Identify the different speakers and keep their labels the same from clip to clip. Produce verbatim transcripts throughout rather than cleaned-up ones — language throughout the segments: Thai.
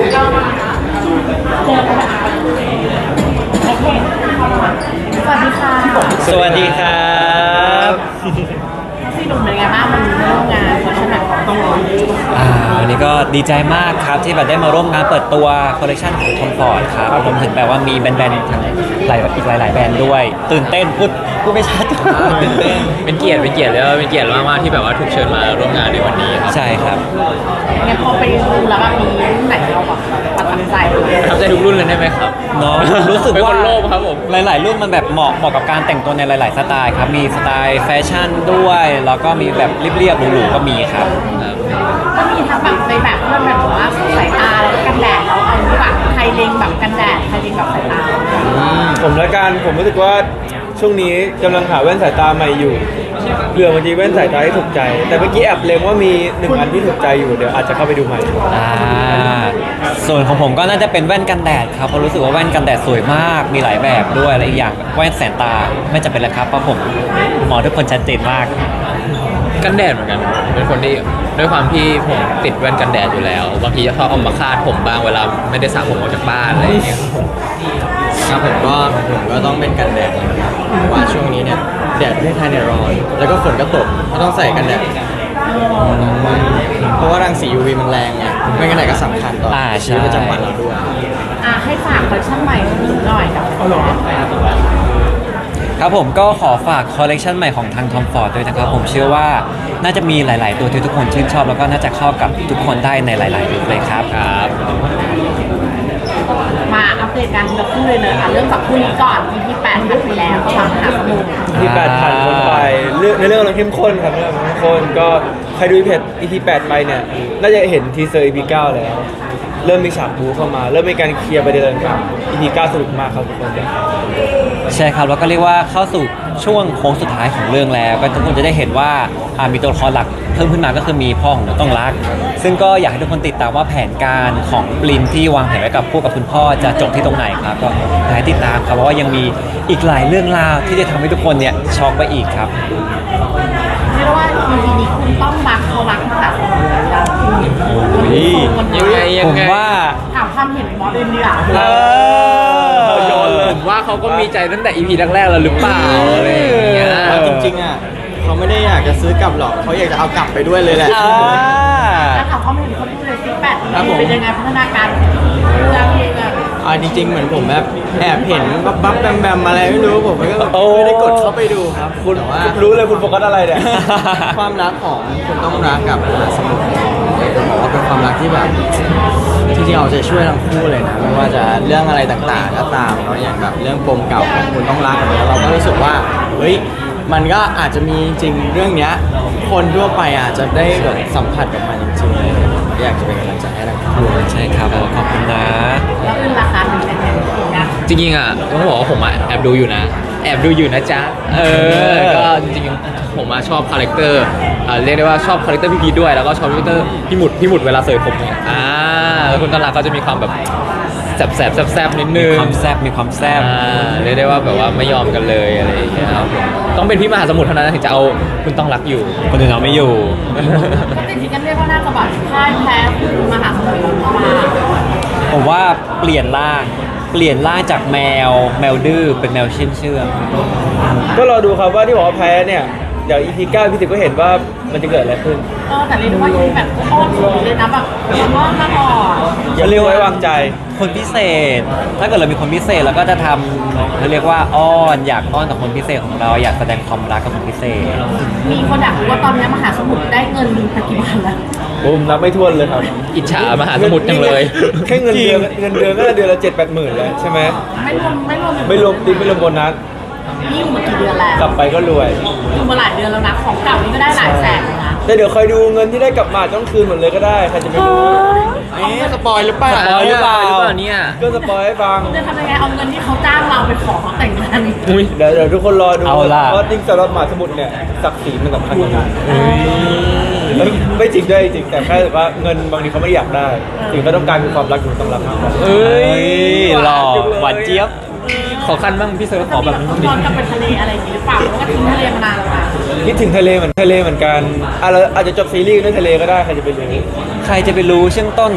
Speaker 1: สวัสดีครับ
Speaker 2: พี่หนุ่มเป็นไงบ้างมันร่วมงานคอนเสิร์ตของต้องร้อน
Speaker 1: อ่าวันนี้ก็ดีใจมากครับที่แบบได้มาร่วมงานเปิดตัวคอลเลคชันของทอมฟอร์ดครับรวมถึงแบบว่ามีแบรนด์ๆทั้งหลายอีกหลายๆแบรนด์ด้วยตื่นเต้นพูดพูดไม่ชัด
Speaker 3: ตื่นเต้นเป็นเกียรติเป็นเกียรติแล้วเป็นเกียรติมากๆที่แบบว่าถูกเชิญมาร่วมงานในวันนี้ครับ
Speaker 1: ใช่ครับ
Speaker 2: งั้นพอไปดูแล้วแบบมีรุ่นไหนเราแบบประทับใจ
Speaker 3: ประทับใจทุกรุ่นเลยได้ไหมครับ
Speaker 1: เนาะรู้สึกว่า
Speaker 3: เป็นคนโลภครับผม
Speaker 1: หลายๆรุ่นมันแบบเหมาะเหมาะกับการแต่งตัวในหลายๆสไตล์ครับมีสไตล์แฟชั่นด้วยแล้วก็มีแบบเรียบๆหรูๆก็มีครับ
Speaker 2: ก็มีทั้งแบบในแบบเพื่อนแบบว่าสายตาแล้วก็กันแดดเราเอาแบบไทยเลงแบบกันแดดไทยเลงแบบสายตา
Speaker 4: ผมละกันผมรู้สึกว่าช่วงนี้กำลังหาแว่นสายตาใหม่อยู่เผื่อมันจะแว่นสายตาที่ถูกใจแต่เมื่อกี้แอบเล็งว่ามีหนึ่งอันที่ถูกใจอยู่เดี๋ยวอาจจะเข้าไปดูใหม่
Speaker 1: อ่าส่วนของผมก็น่าจะเป็นแว่นกันแดดครับเพราะรู้สึกว่าแว่นกันแดดสวยมากมีหลายแบบด้วยและอีกอย่างแว่นแสนตาไม่จำเป็นแล้วครับเพราะผมหมอทุกคนชัดเจนมาก
Speaker 3: กันแดดเหมือนกันเป็นคนที่ด้วยความที่ผมติดแว่นกันแดดอยู่แล้วบางทีจะชอบเอามาคาดผมบ้างเวลาไม่ได้สระผมออกจากบ้านอะไรอย่างเงี้ย
Speaker 5: ครับผมก็ผมก็ต้องเป็นกันแดดนะครับว่าช่วงนี้เนี่ยแดดประเทศไทยเนี่ยร้อนแล้วก็ฝนก็ตกก็ต้องใส่กันแดดเพราะว่ารังสี ยู วี มันแรงไงไม่กันแดดก็สำคัญต่อชีวิตประจำวันเราด้วย
Speaker 2: อ่ะให้ฝากคอลเลคชั่นใหม่หน่อยกับ
Speaker 1: ครับผมก็ขอฝากคอลเลกชันใหม่ของทาง Tom Ford ด้วยนะครับผมเชื่อว่าน่าจะมีหลายๆตัวที่ทุกคนชื่นชอบแล้วก็น่าจะเข้ากับทุกคนได้ในหลายๆลุคเลยครับ
Speaker 3: ครับ
Speaker 2: มาอัปเดตการทีละคู่เลยเนอะเรื่องจากคู่นี้ก่อน อี พี แปดผ่านไปแล้วก็วางหาสมุด
Speaker 4: อี พี แปดผ่านพ้นไปเรื่องในเรื่องเราเข้มข้นครับเรื่องเข้มข้นก็ใครดู อี พี แปดไปเนี่ยน่าจะเห็นทีเซอร์ อี พี เก้าแล้วเริ่มมีฉากบู๊เข้ามาเริ่มมีการเคลียร์ประเด็นต่างๆ อี พี เก้าสนุกมากครับทุกคน
Speaker 1: ใช่ครับแล้วก็เรียกว่าเข้าสู่ช่วงโค้งสุดท้ายของเรื่องแล้วก็ทุกคนจะได้เห็นว่ามีตัวละครหลักเพิ่มขึ้นมาก็คือมีพ่อของต้องรักซึ่งก็อยากให้ทุกคนติดตามว่าแผนการของปลินที่วางแผนไว้กับคู่กับคุณพ่อจะจบที่ตรงไหนครับก็อยากให้ติดตามครับเพราะว่ายังมีอีกหลายเรื่องราวที่จะทำให้ทุกคนเนี่ยช็อกไปอีกครับ
Speaker 2: เรียกว่า อี พี นี้คุณต้องรักเขารักค่ะ
Speaker 3: ยังไงยังไง
Speaker 1: ผมว่า
Speaker 2: ถามความเห็นมอสเองดีอ่ะ
Speaker 1: เออ
Speaker 3: ผมว่าเขาก็มีใจตั้งแต่ อี พี แรกๆแล้วหรือเปล่าอะไรอย่างเงี้ย
Speaker 5: จริงๆอ่ะเขาไม่ได้อยากจะซื้อกลับหรอกเขาอยากจะเอากลับไปด้วยเลยแหละ
Speaker 2: แล้วถามความเห็นคนดูเลยสิแปดเป็นยังไงพัฒนาการเรื่องเองอ่ะ
Speaker 5: อ่าจริงๆเหมือนผมแบบแอบเห็นบับบับแบมแบมอะไรไม่รู้ผมก็ไม่ได้กดเข้าไปดูครับ
Speaker 4: คุณ
Speaker 5: ว่า
Speaker 4: รู้เลยคุณโฟกัสอะไรเนี่ย
Speaker 5: ความรักของคุณต้องรักกับสมุทรผมบอกว่าเป็นความรักที่แบบที่ที่เราจะช่วยทั้งคู่เลยนะไม่ว่าจะเรื่องอะไรต่างๆก็ตามเนาะอย่างแบบเรื่องปมเก่าของคุณต้องรักเนี่ยเราก็รู้สึกว่าเฮ้ยมันก็อาจจะมีจริงเรื่องเนี้ยคนทั่วไปอาจจะได้แบบสัมผัสกับมันจริงๆเลยอยากจะเป็นกำลังใจให้ทั้งคู่
Speaker 1: ใช่ครับขอบคุณนะ
Speaker 2: แล้วเป็นราคาเป็นยังไง
Speaker 3: จริงๆอ่ะต้องบอกว่าผมอ่ะแอบดูอยู่นะแอบดูอยู่นะจ๊ะเออก็จริงๆผมมาชอบคาแรคเตอร์เรียกได้ว่าชอบคาแรคเตอร์พี่พีด้วยแล้วก็ชอบคาแรคเตอร์พี่หมุดพี่หมุดเวลาเสยผมเนี่ยอ่าแล้วคุณตลาดก็จะมีความแบบแสบแสบแสบนิดนึง
Speaker 1: มีความแสบมีความแสบ
Speaker 3: เรียกได้ว่าแบบว่าไม่ยอมกันเลยอะไรอย่างเงี้ยครับต้องเป็นพี่มหาสมุทรเท่านั้นถึงจะเอาคุณต้องรักอยู่
Speaker 1: คนอื่นเอาไม่อยู่
Speaker 2: จริงๆกันเรียกว่าน่าจะแบบค่ายแพ้มหาสมุทรมา
Speaker 1: ผมว่าเปลี่ยนร่างเปลี่ยนร่างจากแมวแมวดื้อเป็นแมวเชื่องเชื่อง
Speaker 4: ก็รอดูครับว่าที่บอกว่าแพ้เนี่ยเดี๋ยว อี พี เก้า พี่สิบก็เห็นว่ามันจะเกิดอะไรขึ้น
Speaker 2: เออแต่เรียกว่าอีแบบอ้อนสุดเลยนะแบบมันว่ามาก่อน
Speaker 4: อย่าเรียกไว้วางใจ
Speaker 1: คนพิเศษถ้าเกิดเรามีคนพิเศษเราก็จะทำเขาเรียกว่าอ้อนอยากอ้อนกับคนพิเศษของเราอยากแสดงความรักกับคนพิเศษ
Speaker 2: มีคนอยากรู้ว่าตอนนี้มหาสมุทรได้เงินไปกี่บาทแล้ว
Speaker 4: ผมนับไม่ถ้วนเลยครับ
Speaker 3: อิจฉามหาสมุทรจังเลย
Speaker 4: แค่เงินเดือนเงินเดือนก็เดือนละเจ็ดแปดหมื่นแล้วใช่ไหม
Speaker 2: ไม่รวมไม่รวม
Speaker 4: ไม่รวมติ๊บไม่รวมโบนัส
Speaker 2: นี่อยู่มากี่เดือนแล้ว
Speaker 4: กลับไปก็รวย
Speaker 2: อยู่มาหลายเดือนแล้วนะของเก่านี่ก็ได้หลายแสนแล้วนะ
Speaker 4: แต่เดี๋ยวคอยดูเงินที่ได้กลับมาต้องคืนหมดเลยก็ได้ใครจะไปรู้
Speaker 5: เอ๊ะสปอยหรือเปล่า
Speaker 1: สปอยหรือเปล่า
Speaker 3: เนี่ย
Speaker 4: ก็สปอยให้ฟัง
Speaker 2: จะทำยังไงเอาเงินที่เขาจ้างเราไปขอเขาแต่งงาน
Speaker 4: เดี๋ยวเดี๋ยวทุกคนรอดูเพราะจริงสำหรับมหาสมุทรเนี่ยศักดิ์ศรีมันสำคัญมากไม่จริงด้วยจริงแต่แค่ว่าเงินบางทีเขาไม่อยากได้สิ่งที่ต้องการคือความรักอยู่ต้องรับมากกว่า
Speaker 1: เอ้ยหล่อหวานเจี๊ยบ
Speaker 3: ขอขั้นบ้างพี่เซิร์ฟขอแบบนี้
Speaker 2: ย้อนกลับไปทะเลอะไรอย่างนี้หรือเปล่าเพราะว่าทิ้งทะเลมานานแล้วนะ
Speaker 4: คิดถึงทะเลเหมือนทะเลเหมือนกันอ่ะเราอาจจะจบซีรีส์ด้วยทะเลก็ได้ใครจะไปรู้
Speaker 1: ใครจะไปรู้เชื่องต้น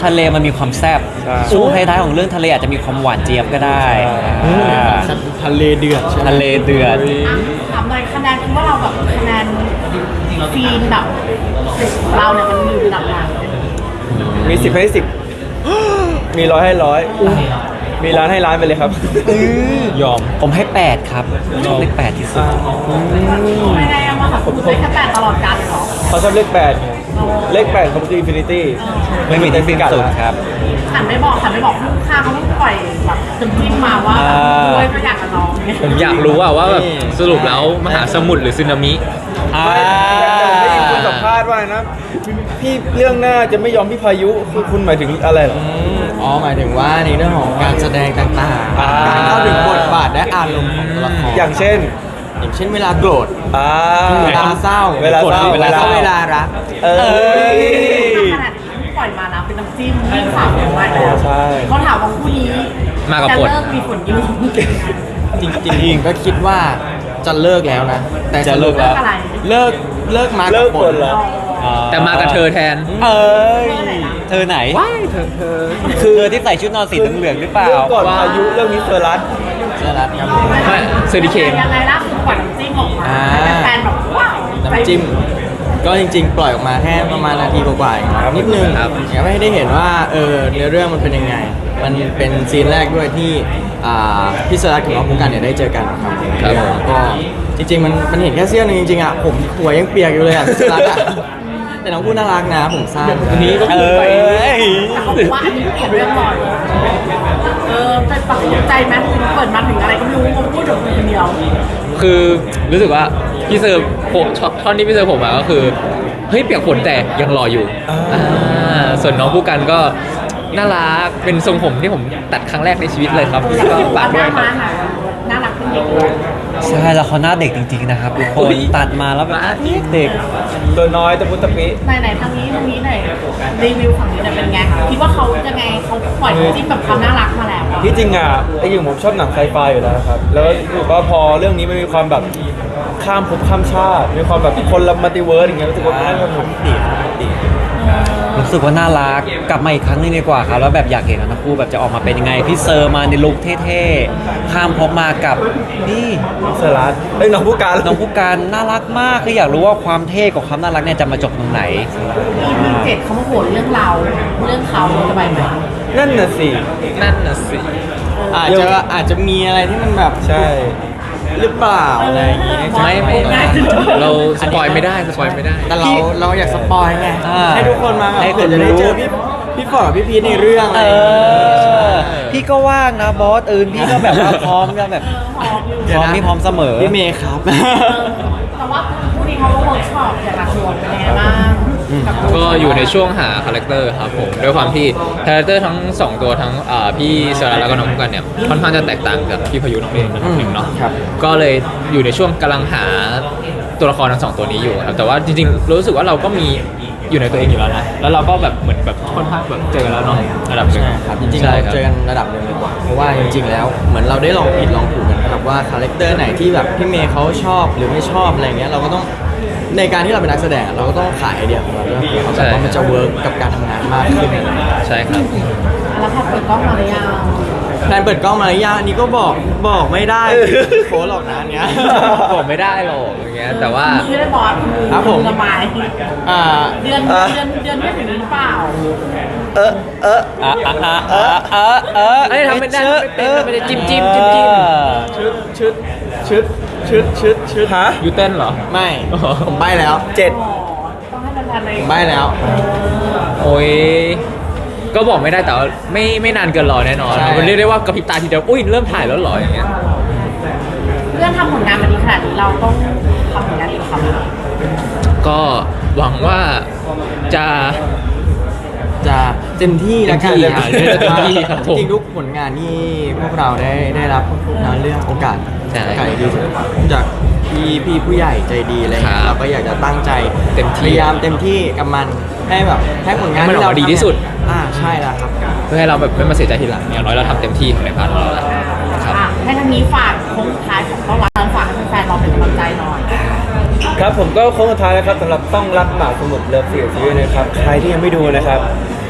Speaker 1: ทะเลมันมีความแซ่บ
Speaker 4: ใช่
Speaker 1: ช่วงท้ายๆของเรื่องทะเลอาจจะมีความหวานเจี๊ยบก็ได้อ่า
Speaker 5: ทะเลเดือดใช่ไหม
Speaker 1: ทะเลเดือด
Speaker 2: อ่ะถามหน่อยคะแนนคิดว่าเราแบบคะแนนซีนแบบเราเนี่ยมันอยู่ระดับไหน
Speaker 4: มีสิบให้สิบ มีร้อยให้ร้อยมีล้านให้ล้านไปเลยครับ
Speaker 1: ยอมผมให้แปดครับชอบเลขแปดที่สุด
Speaker 2: ไม่ได้เอามาค่ะคุณได้แค่แปดตลอดกาลเลยเหรอ
Speaker 4: เขาชอบเลขแปดไงเลขแปดเขาคืออินฟินิตี้
Speaker 1: ไม่มีที่สิ้นสุดครับ
Speaker 2: หันไม่บอกหันไม่บอกลูกค้าเขาต้องปล่อยแบบตึงจิ้มมาว่า
Speaker 1: อ่า
Speaker 2: ด้วยก็อยากกับน้องเนี่ย
Speaker 3: ผมอยากรู้ว่าว่าแบบสรุปแล้วมหาสมุทรหรือสึนามิ
Speaker 1: อ่า
Speaker 4: ไม่ได้ยินคุณสัมภาษณ์ว่านะ พี่เรื่องหน้าจะไม่ยอมพี่พายุคือคุณหมายถึงอะไรเหรอ
Speaker 5: อ๋อหมายถึงว่าในเรื่องของการแสดงต่าง
Speaker 4: อ่า
Speaker 5: ๆการเข้าถึงบทบาทและอารมณ์ของตัวละคร
Speaker 4: อย่างเช่น
Speaker 5: อย่างเช่นเวลาโกรธ
Speaker 4: อ่า
Speaker 5: เวลาเศร้า
Speaker 4: เวลาเศร้า
Speaker 5: เวลาเศร้าเวลารัก
Speaker 4: เอ้ย
Speaker 2: ขนาดที่ปล่อยมานะเป็นน้ำจิ้มยิ่งสาวอย่างไรแล้ว
Speaker 4: ใช่
Speaker 2: เขาถามว่าคู่นี้
Speaker 3: มากับ
Speaker 2: จะ
Speaker 3: บท
Speaker 2: เลิกมีผลยุ่ง
Speaker 5: จริงๆก็คิดว่าจะเลิกแล้วนะ แต่
Speaker 1: จะเลิกแล้ว
Speaker 2: อะไร
Speaker 5: เลิกเลิกมา
Speaker 4: เลิ
Speaker 5: กั
Speaker 4: ก
Speaker 5: บบ
Speaker 4: ค
Speaker 5: ท
Speaker 4: นเหรอ
Speaker 3: แต่มากับเธอแทน
Speaker 1: เอ้ย
Speaker 2: เธอไหนนะ
Speaker 1: เธอไหน
Speaker 3: ว้ายเธอเธอ
Speaker 1: คือเธอที่ใส่ชุดนอนสีเหลืองๆหรือเปล่า
Speaker 4: เรื่องก่อนพายุเรื่องนี้เฟอร์รัส
Speaker 5: เจอรัดครับ
Speaker 3: ไม่เซอร์ดิเคน
Speaker 2: ยังไงล่ะคือปล่อยน้ำจิ้มออกมา
Speaker 5: อ่า
Speaker 2: ให้แฟนๆแบบว้าว
Speaker 5: น้ำจิ้มก็จริงๆ ปล่อยออกมาแค่ประมาณนาทีกว่าๆเองครับนิดนึง
Speaker 3: ครับ
Speaker 5: อยากให้ได้เห็นว่าเออเนื้อเรื่องมันเป็นยังไง มันเป็นซีนแรกด้วยที่อ่าพี่สรัตกับน้องภูกันเนี่ยได้เจอกันครับแล้วก็จริงๆมันมันเห็นแค่เสี้ยวนึงจริงๆอ่ะผมหัวยังเปียกอยู่เลยอ่ะพี่สรัตอ่ะแต่น้องพูดน่ารักนะผมสั้น
Speaker 3: อันนี้ก็
Speaker 1: เอ
Speaker 3: คือไป
Speaker 1: ้ย
Speaker 2: แต่เขาบอกว่าอันนี้เปลี่ยนเรื่องบ่อยเออเป็นปักใจไหมเปิดมาถึงอะไรก็ไม่รู้ผมพูดถึงคนเดียว
Speaker 3: คือรู้สึกว่าพี่เซอร์ผมท่อนที่พี่เซอร์ผมมาก็คือเฮ้ยเปียกฝนแต่ยังรออยู่อ่าส่วนน้องผู้กันก็น่ารักเป็นทรงผมที่ผมตัดครั้งแรกในชีวิตเลยครับ
Speaker 2: อยาก
Speaker 3: ก็
Speaker 2: ให้ดู
Speaker 3: ฝาก
Speaker 2: ห
Speaker 3: ด้วย
Speaker 2: น้า
Speaker 3: ค
Speaker 2: ม้า
Speaker 3: รับ
Speaker 2: หน่อยน่ารักขึ้นเยอะเลย
Speaker 1: ใช่แล้วเขาหน้าเด็กจริงๆนะครับทุกคนตัดมาแล้วแบบเด็ก
Speaker 4: ตัวน้อยตะพุตะปิ
Speaker 2: ไหนไหนๆทางนี้ทางนี้หน่อยรีวิวฝั่งนี้หน่อยเป็นไงคิดว่าเขายังไงเขาปล่อยจิ้มแบบความน่ารักมาแล้วอะ
Speaker 4: ที่จริงอ่ะไอ้อย่างผมชอบหนังไซไฟอยู่แล้วครับ แล้วรู้สึกว่าพอเรื่องนี้มันมีความแบบข้ามภพข้ามชาติ มีความแบบคนละมัลติเวิร์สอย่างเงี้ยรู้สึกว่าน่าสนุกดี
Speaker 1: รู้สึกว่าน่ารักกลับมาอีกครั้งหนึงดีกว่าครับแล้วแบบอยากเห็นว่าทั้งคู่แบบจะออกมาเป็นยังไงพี่เซอร์มาในลุคเท่ๆข้ามพบมากับนี่
Speaker 4: น้องเซอร์รัสเอ้ยน้องผู้การ
Speaker 1: น้องผู้การน่ารักมากคืออยากรู้ว่าความเท่กับความน่ารักเนี่ยจะมาจบตรงไหน
Speaker 2: อีพีเจ็ดเขามาโหดเรื่องเรา เรื่องเขาจะไปไหม
Speaker 4: นั่นน่ะสิ
Speaker 3: นั่นน่ะสิ
Speaker 5: อาจจะอาจจะมีอะไรที่มันแบบ
Speaker 4: ใช่
Speaker 5: หรือเปล่าอะไรอย่างงี้
Speaker 3: ไม่ไม่ไม่เราสปอยไม่ได้สปอยไม่ได้
Speaker 5: แต่เราเราอยากสปอยไง
Speaker 1: อ่า
Speaker 5: ให้ทุกคนมาแบบ
Speaker 1: ให้
Speaker 5: เผื่อจะได้
Speaker 1: คนรู้
Speaker 5: เจอพี่พี่ฟอร์ดกับพี่พีทในเรื่องอะ
Speaker 1: เอ
Speaker 5: ไรอย่างงี้
Speaker 1: อพี่ก็ว่างนะบอสอื่นพี่ก็แบบว่าพร้อมก็แบบ
Speaker 2: พร้อมอยู่
Speaker 1: พร้อมพี่พร้อมเสมอ
Speaker 5: พี่เมย์ครับ
Speaker 2: แต่ว่าผู้นี้เขาก็เวิร์กช็อปอย่างหนักหน่วงเป็นยังไงบ้างกับ
Speaker 3: ก็อยู่ในช่วงหาคาแรคเตอร์ครับผมด้วยความที่คาแรคเตอร์ทั้งสองตัวทั้งอ่าพี่เซราแล้วก็น้องผู้กันเนี่ยค่อนข้างจะแตกต่างกับพี่พายุน้องเองนะครับหนึ่งเนาะ
Speaker 5: ครับ
Speaker 3: ก็เลยอยู่ในช่วงกำลังหาตัวละครทั้งสองตัวนี้อยู่ครับแต่ว่าจริงๆรู้สึกว่าเราก็มีอยู่ในตัวเองอยู่แล้วนะแล้วเราก็แบบเหมือนแบบค่อนข้างแบบเจอกันแล้วเนาะระดับหนึ่ง
Speaker 5: ใช่ครับจริงๆ
Speaker 3: ใช่
Speaker 5: เรา
Speaker 3: คบ
Speaker 5: เจอกันระดับหนึ่งเลยกว่าเพราะว่าจริงๆแล้วเหมือนเราได้ลองผิดลองถูกกันครับว่าคาแรคเตอร์ไหนที่แบบพี่เมย์เขาชอบหรือไม่ชอบอะไรเงี้ยเราก็ต้องในการที่เราเป็นนักแสดงเราก็ต้องขายไอเดียของเราด้วยเขาแบบว่ามันจะเวิร์กกับการทำงานมากขึ้นอะไรเงี้ย
Speaker 3: ใช่ครับ
Speaker 2: แล้วพอเปิดกล้องมาหรือยัง
Speaker 5: แพลนเปิดกล้องมาระยะนี้ก็บอกบอกไม่ได้โฟหรอกนะอันเนี้ย
Speaker 3: บอกไม่ได้หรอกอย่างเงี้ยแต่ว่า
Speaker 2: มือได้บอสมือ
Speaker 5: ครับผม
Speaker 2: ระบาย
Speaker 5: อ่า
Speaker 2: เดือนเดือนเดือนไม่ถึงหรือเปล่า
Speaker 4: เออเออ
Speaker 1: อ่ะอ่ะอ่ะอ่ะอ่ะอ่ะ
Speaker 3: เอ้ยทำไม่ได้ทำไม่เป็นทำไม่ได้จิ้มจิ้มจิ้มจิ้ม
Speaker 5: ชุดชุดชุดชุดชุดชุด
Speaker 4: ฮะ
Speaker 3: ยูเต้นเหรอ
Speaker 5: ไม่ ผมใบ้แล้ว
Speaker 4: เจ็ด
Speaker 2: ต้องให้แฟนๆเลย
Speaker 5: ผมใบ้แล้ว
Speaker 3: โอ้ยก็บอกไม่ได้แต่ว่าไม่ไม่นานเกินรอแน่นอน
Speaker 5: ใช่
Speaker 3: มันเรียกได้ว่ากระพริบตาทีเดียวอุ้ยเริ่มถ่ายแล้วเหรออย่างเงี้ย
Speaker 2: เพื่อนทำผลงานมาดีขนาดนี้เราต้องทำผลงานดีกว่าเขาไหม
Speaker 3: ก็หวังว่าจะ
Speaker 5: จะเต็มที่แล้วกัน
Speaker 3: เต็มที่อ่ะเต็มที่ครับผม
Speaker 5: จริงๆทุกผลงานที่พวกเราได้ได้รับนะเรื่องโอกาส
Speaker 3: ใช่
Speaker 5: โอกาสดีๆจากพี่พี่ผู้ใหญ่ใจดีอะไรเงี้
Speaker 3: ครั
Speaker 5: ย
Speaker 3: บ
Speaker 5: เราก็อยากจะตั้งใจ
Speaker 3: เต็มที่
Speaker 5: พยายามเต็มที่กับมันให้แบบให้ผลงาน
Speaker 3: ให้มันออกมาดีที่สุด
Speaker 5: อ่าใช่แล้วครับ
Speaker 3: เพื่อให้เราแบบไม่มาเสียใจทีหลังอย่างน้อยเราทำเต็มที่ของในพาร์ทของเราแล้วครับ
Speaker 2: อ่ะให้ทางนี้ฝากโค้งสุดท้ายของต้องรักฝากให้แฟนๆเราเป็นกำลังใจหน่อย
Speaker 4: ครับผมก็โค้งสุดท้ายนะครับสำหรับต้องรักหมาสมุทรเลิฟเสียซีรีส์นะครับ ใครที่ยังไม่ดูนะครับ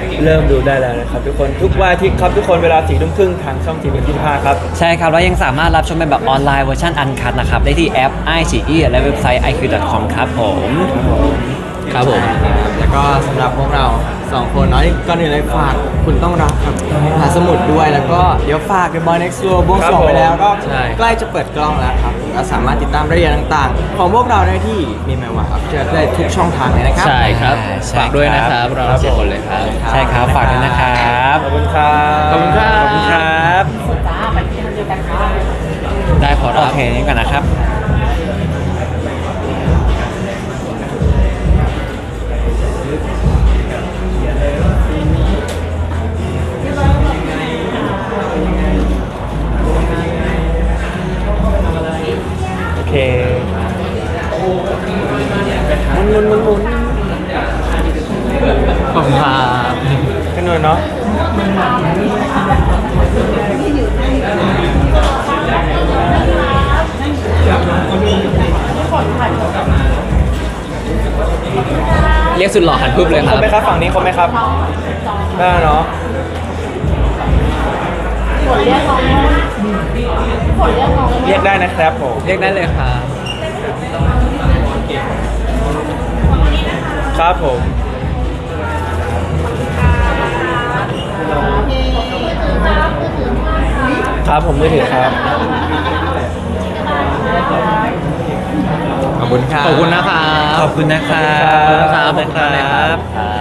Speaker 4: เริ่มดูได้แล้วนะครับทุกคนทุกวันอาทิตย์ครับทุกคนเวลาสี่ทุ่มครึ่งทางช่องทีวียี่สิบห้าครับ
Speaker 1: ใช่ครับแล้วยังสามารถรับชมเป็นแบบออนไลน์เวอร์ชันอันคัดนะครับ ได้ที่แอป ไอ ซี อี และเว็บไซต์ ไอ คิว ดอท คอม ครับผม
Speaker 3: ครับผม
Speaker 5: แล้วก็สำหรับพวกเราสองคนเนาะก่อนอื่นเลยฝากคุณต้องรักครับมหาสมุทรด้วยแล้วก็เดี๋ยวฝาก The Boy Next Door บวงสรวงไปแล้วก็
Speaker 3: ใช่
Speaker 5: ใกล้จะเปิดกล้องแล้วครับก็สามารถติดตามรายละเอียดต่างๆ ของพวกเราได้ที่มีแมวว่าครับเจอได้ทุกช่องทางเลยนะครับ
Speaker 3: ใช่ครับ
Speaker 1: ใช่
Speaker 3: ฝากด้วยนะค
Speaker 1: ครั
Speaker 3: รับ บเราทั้งสี่คนเลยครับ
Speaker 1: ใช่ครับฝากด้วยนะครับ
Speaker 4: ขอบคุณครับ
Speaker 3: ขอบคุณครับ
Speaker 4: ขอบคุณครับ
Speaker 2: สุดจ้าไปที่ทะเลกันค่ะ
Speaker 3: ได้ขอ
Speaker 1: โอ
Speaker 3: รับ
Speaker 1: เคนี่ก่อนนะครับ
Speaker 4: โอเคหมุนหมุนหมุนหมุน
Speaker 3: ขอบคุณครับ
Speaker 4: กันหน่อยเนาะ
Speaker 3: เรียกสุดหล่อหันปุ๊บเลยค
Speaker 4: ค
Speaker 3: รั
Speaker 4: ร
Speaker 3: บบ
Speaker 4: ไหมครับฝั่งนี้ครบไหมครับได้เนาะ
Speaker 2: ฝนเรียกน้องฝนเรียกน้อง
Speaker 4: เรียกได้นะครับผม
Speaker 3: เรียกได้เลยครับ
Speaker 4: ครับผม ครับผมมือถือครับ
Speaker 5: ขอบคุณครับ
Speaker 3: ขอบคุณนะครับ
Speaker 1: ขอบคุณนะครับ
Speaker 3: ขอบคุณครับ
Speaker 1: ขอบคุณครับ